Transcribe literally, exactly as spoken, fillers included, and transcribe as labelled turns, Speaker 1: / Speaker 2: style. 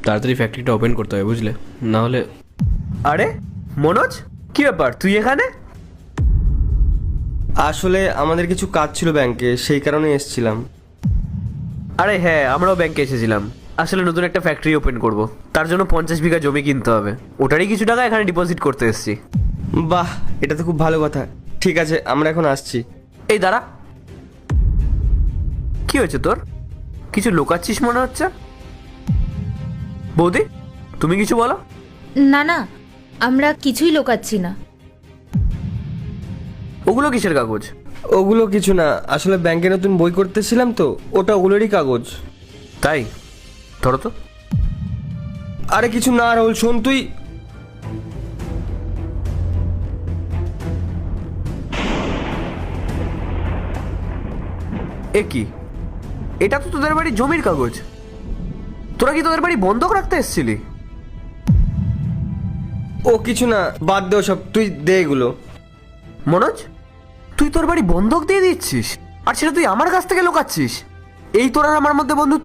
Speaker 1: তাড়াতাড়ি ফ্যাক্টরিটা ওপেন করতে হবে, বুঝলে? না হলে।
Speaker 2: আরে মনোজ, কি ব্যাপার তুই এখানে?
Speaker 3: আসলে আমাদের কিছু কাজ ছিল ব্যাংকে, সেই কারণে এসেছিলাম।
Speaker 2: আরে হ্যাঁ, আমরাও ব্যাংকে এসেছিলাম। আসলে নতুন একটা ফ্যাক্টরি ওপেন করব, তার জন্য পঞ্চাশ বিঘা জমি কিনতে হবে। ওটারই কিছু টাকা এখানে ডিপোজিট করতে এসেছি।
Speaker 3: বাহ, এটা তো খুব ভালো কথা। ঠিক আছে, আমরা এখন আসছি।
Speaker 2: এই দাঁড়া, কি হয়েছে তোর? কিছু লুকাচ্ছিস মনে হচ্ছে। বৌদি, তুমি কিছু বলো।
Speaker 4: না না, আমরা কিছুই লোকাচ্ছি না।
Speaker 2: ওগুলো কিসের কাগজ?
Speaker 3: ওগুলো কিছু না, আসলে ব্যাংকে নতুন বই করতেছিলাম তো, ওটা ওগুলোরই কাগজ।
Speaker 2: তাই? ধরো তো।
Speaker 3: আরে কিছু না রাহুল, শোন তুই।
Speaker 2: এ কি, এটা তো তোদের বাড়ির জমির কাগজ। তোরা কি তোদের বাড়ি বন্ধক রাখতে এসেছিলি?
Speaker 3: ও কিছু না, বাদ দে সব, তুই দে এগুলো।
Speaker 2: মনোজ, তুই তোর বাড়ি বন্ধক দিয়ে দিচ্ছিস, আর সেটা তুই আমার কাছ থেকে লুকাচ্ছিস? এই তোর আর আমার মধ্যে বন্ধু